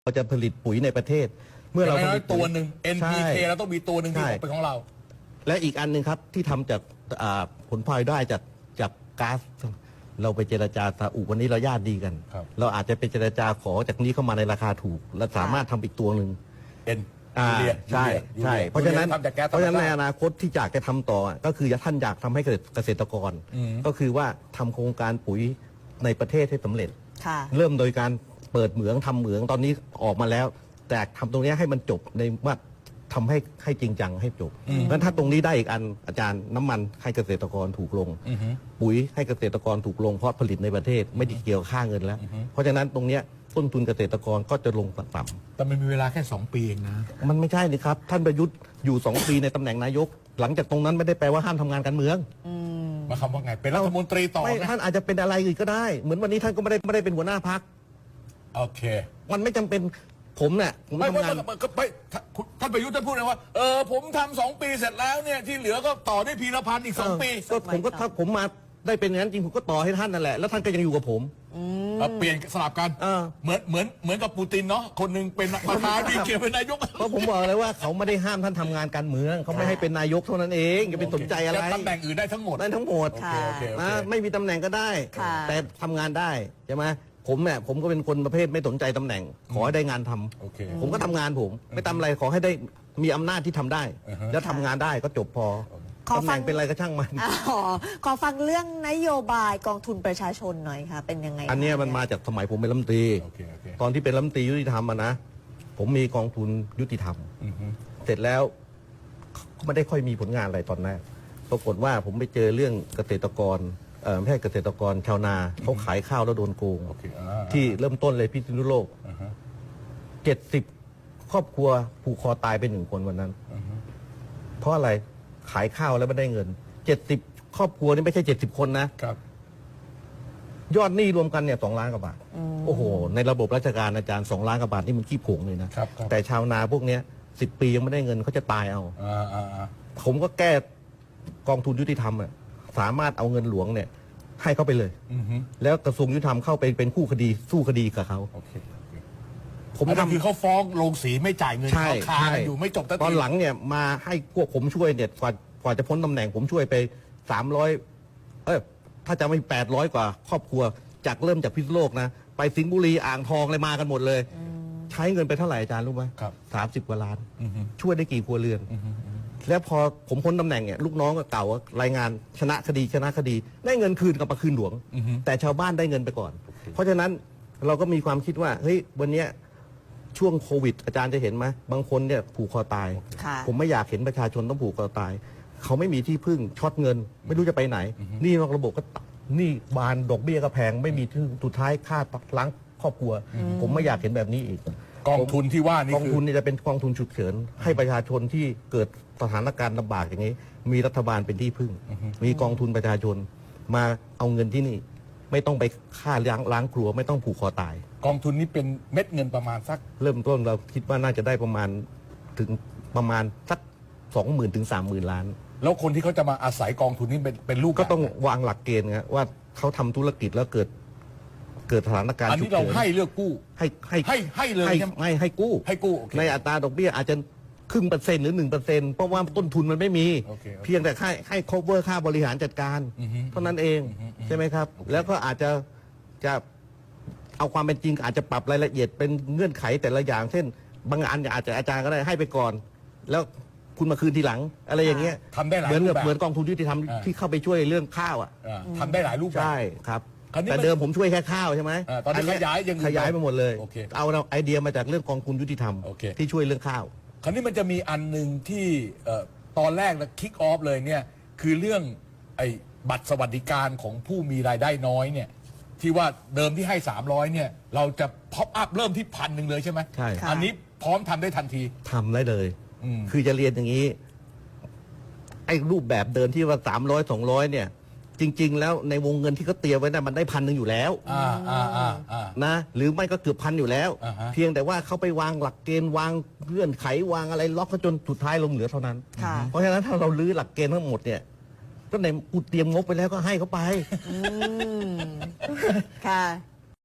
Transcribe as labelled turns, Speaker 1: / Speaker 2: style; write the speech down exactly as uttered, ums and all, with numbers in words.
Speaker 1: เราจะผลิตปุ๋ยในประเทศเมื่อเราผลิต
Speaker 2: ตัวหนึ่ง เอ็น พี เค เราต้องมีตัวหนึ่งที่ออกเป็นของเรา
Speaker 1: และอีกอันหนึ่งครับที่ทำจากผลพลอยได้จากจากก๊าซเราไปเจรจาซาอุวันนี้เราญาติดีกันเราอาจจะไปเจรจาขอจากนี้เข้ามาในราคาถูกและสามารถทำอีกตัวหนึ่ง
Speaker 2: เอ็น
Speaker 1: ใช่ใช่เพราะฉะนั้นเพราะฉะนั้นในอนาคตที่อยากจะทำต่อก็คือท่านอยากทำให้เกษตรกรก็คือว่าทำโครงการปุ๋ยในประเทศให้สำเร็จเริ่มโดยการเปิดเหมืองทำเหมืองตอนนี้ออกมาแล้วแต่ทำตรงนี้ให้มันจบในว่าทำให้ให้จริงจังให้จบงั้นถ้าตรงนี้ได้อีกอันอาจารย์น้ำมันให้เกษตรกรถูกลงปุ๋ยให้เกษตรกรถูกลงเพราะผลิตในประเทศไม่ได้เกี่ยวค่าเงินแล้วเพราะฉะนั้นตรงนี้ต้นทุนเกษตรกรก็จะลงต่ำ
Speaker 2: แต่มันมีเวลาแค่สองปีเองนะ
Speaker 1: มันไม่ใช่นี่ครับท่านประยุทธ์อยู่สองปีในตำแหน่งนายกหลังจากตรงนั้นไม่ได้แปลว่าห้ามทำงานการเมือง
Speaker 2: มาคำว่าไงเป็นรัฐมนตรีต่อ
Speaker 1: ไม่ท่านอาจจะเป็นอะไรอื่นก็ได้เหมือนวันนี้ท่านก็ไม่ได้ไม่ได้เป็นหัวหน้าพรรค
Speaker 2: โอเค
Speaker 1: มันไม่จำเป็นผมเนี่ยผมทำงาน
Speaker 2: ไม่ท่านประยุทธ์ท่านพูดเลยว่าเออผมทำสองปีเสร็จแล้วเนี่ยที่เหลือก็ต่อได้พีรพันธ์อีกสองปี
Speaker 1: ก็ผมก็ถ้าผมมาได้เป็นอย่างนั้นจริงผมก็ต่อให้ท่านนั่นแหละแล้วท่านก็ยังอยู่กับผม
Speaker 2: เปลี่ยนสลับกันเหมือนเหมือนเหมือนกับปูตินเนาะคนหนึ่งเป็นประธานอีกเกี่ยวเป็นนายก
Speaker 1: เพราะผมบอกเลยว่าเขาไม่ได้ห้ามท่านทำงานการเมืองเขาไม่ให้เป็นนายกเท่านั้นเองอย่าไปสนใจอะไร
Speaker 2: ตำแหน่งอื่นได้ทั้งหมด
Speaker 1: ได้ทั้งหมดนะไม่มีตำแหน่งก็ได้แต่ทำงานได้ใช่ไหมผมเนี่ยผมก็เป็นคนประเภทไม่สนใจตำแหน่งขอให้ได้งานทำผมก็ทำงานผมไม่ทำอะไรขอให้ได้มีอำนาจที่ทำได้แล้วทำงานได้ก็จบพอตำแหน่งเป็นอะไรก็ช่างมัน
Speaker 3: ขอฟังเรื่องนโยบายกองทุนประชาชนหน่อยค่ะเป็นยังไง
Speaker 1: อันนี้มันมาจากสมัยผมเป็นรัฐมนตรีตอนที่เป็นรัฐมนตรียุติธรรมนะ ผมมีกองทุนยุติธรรมเสร็จแล้วไม่ได้ค่อยมีผลงานอะไรตอนแรกปรากฏว่าผมไปเจอเรื่องเกษตรกรเออไม่ใช่เกษตรกรชาวนาเขาขายข้าวแล้วโดนโกงที่เริ่มต้นเลยพิษณุโลกเจ็ดสิบครอบครัวผูกคอตายไปหนึ่งคนวันนั้นเพราะอะไรขายข้าวแล้วไม่ได้เงินเจ็ดสิบครอบครัวนี่ไม่ใช่เจ็ดสิบคนนะครับยอดหนี้รวมกันเนี่ยสองล้านกว่าบาทโอ้โหในระบบราชการอาจารย์สองล้านกว่าบาทนี่มันขี้ผงเลยนะแต่ชาวนาพวกเนี้ยสิบปียังไม่ได้เงินเขาจะตายเอาผมก็แก้กองทุนยุติธรรมอ่ะสามารถเอาเงินหลวงเนี่ยให้เขาไปเลยแล้วกระทรวงยุติธรรมเข้าไปเป็นคู่คดีสู้คดีกับเขา
Speaker 2: ผมทำคือเขาฟ้องโรงสีไม่จ่ายเงินเขาคาอยู่ไม่จบ
Speaker 1: ตอนหลังเนี่ยมาให้พวกผมช่วยเนี่ยกว่ากว่าจะพ้นตำแหน่งผมช่วยไปสามร้อยเออถ้าจะไม่แปดร้อยกว่าครอบครัวจากเริ่มจากพิษณุโลกนะไปสิงห์บุรีอ่างทองเลยมากันหมดเลยใช้เงินไปเท่าไหร่อาจารย์รู้ไหมสามสิบกว่าล้านช่วยได้กี่ครัวเรือนแล้วพอผมพ้นตำแหน่งเนี่ยลูกน้องก็เก่ารายงานชนะคดีชนะคดีได้เงินคืนกับมาคืนหลวงแต่ชาวบ้านได้เงินไปก่อนเพราะฉะนั้นเราก็มีความคิดว่าเฮ้ยวันนี้ช่วงโควิดอาจารย์จะเห็นไหมบางคนเนี่ยผูกคอตายผมไม่อยากเห็นประชาชนต้องผูกคอตายเขาไม่มีที่พึ่งช็อตเงินไม่รู้จะไปไหนนี่นอกระบบก็นี่บานดอกเบี้ยก็แพงไม่มีที่สุดท้ายค่าล้างครอบครัวผมไม่อยากเห็นแบบนี้อีก
Speaker 2: กองทุนที่ว่านี่
Speaker 1: กองทุนนี่จะเป็นกองทุนฉุกเฉินให้ประชาชนที่เกิดสถานการณ์ลำบากอย่างนี้มีรัฐบาลเป็นที่พึ่งมีกองทุนประชาชนมาเอาเงินที่นี่ไม่ต้องไปฆ่าล้างล้างครัวไม่ต้องผูกคอตาย
Speaker 2: กองทุนนี้เป็นเม็ดเงินประมาณสัก
Speaker 1: เริ่มต้นเราคิดว่าน่าจะได้ประมาณถึงประมาณสักสองหมื่นถึงสามหมื่นล้าน
Speaker 2: แล้วคนที่เขาจะมาอาศัยกองทุนนี้เป็นเป็นลูก
Speaker 1: ก็ต้องวางหลักเกณฑ์นะว่าเขาทำธุรกิจแล้วเกิดเกิดสถานการณ์
Speaker 2: ฉุกเฉินอันนี้เราให้เลือกกู้
Speaker 1: ให้ให้
Speaker 2: ให้ให้เลย
Speaker 1: ให้ให้กู้
Speaker 2: ให้กู้
Speaker 1: ในอัตราดอกเบี้ยอาจจะครึ่งเปอร์เซ็นต์หรือหนึ่งเปอร์เซ็นต์เพราะว่าต้นทุนมันไม่มีเพียงแต่ให้ให้ cover ค่าบริหารจัดการเท่านั้นเองใช่ไหมครับแล้วก็อาจจะจะเอาความเป็นจริงอาจจะปรับรายละเอียดเป็นเงื่อนไขแต่ละอย่างเช่นบางอันอาจจะอาจารย์ก็ได้ให้ไปก่อนแล้วคุณมาคืนทีหลังอะไรอย่างเงี้ย
Speaker 2: ทำได้หลาย
Speaker 1: เหมือน
Speaker 2: แบบ
Speaker 1: เหมือนกองทุนยุติธรรมที่เข้าไปช่วยเรื่องข้าวอ่ะ
Speaker 2: ทำได้หลายรูปแบบ
Speaker 1: ใช่ครับแต่เดิมผมช่วยแค่ข้าวใช่ไหม
Speaker 2: ตอนนี้ขยายยัง
Speaker 1: ขยายไปหมดเลยเอาไอเดียมาจากเรื่องกองทุนยุติธรรมที่ช่วยเรื่องข้าว
Speaker 2: คราวนี้มันจะมีอันหนึ่งที่ตอนแรกนะคิกออฟเลยเนี่ยคือเรื่องไอ้บัตรสวัสดิการของผู้มีรายได้น้อยเนี่ยที่ว่าเดิมที่ให้สามร้อยเนี่ยเราจะพ็อปอัพเริ่มที่พันหนึ่งเลยใช่ไหม
Speaker 1: ใช่
Speaker 2: อันนี้พร้อมทำได้ทันที
Speaker 1: ทำได้เลยคือจะเรียนอย่างนี้ไอ้รูปแบบเดินที่ว่าสามร้อยสองร้อยเนี่ยจริงๆแล้วในวงเงินที่เขาเตรียมไว้นะมันได้พันหนึ่งอยู่แล้วนะหรือไม่ก็เกือบพันอยู่แล้วเพียงแต่ว่าเขาไปวางหลักเกณฑ์วางเงื่อนไขวางอะไรล็อกจนสุดท้ายลงเหลือเท่านั้นเพราะฉะนั้นถ้าเราลื้อหลักเกณฑ์ทั้งหมดเนี่ยก็ในกูเตรียมงบไปแล้วก็ให้เขาไป
Speaker 3: ค่ะ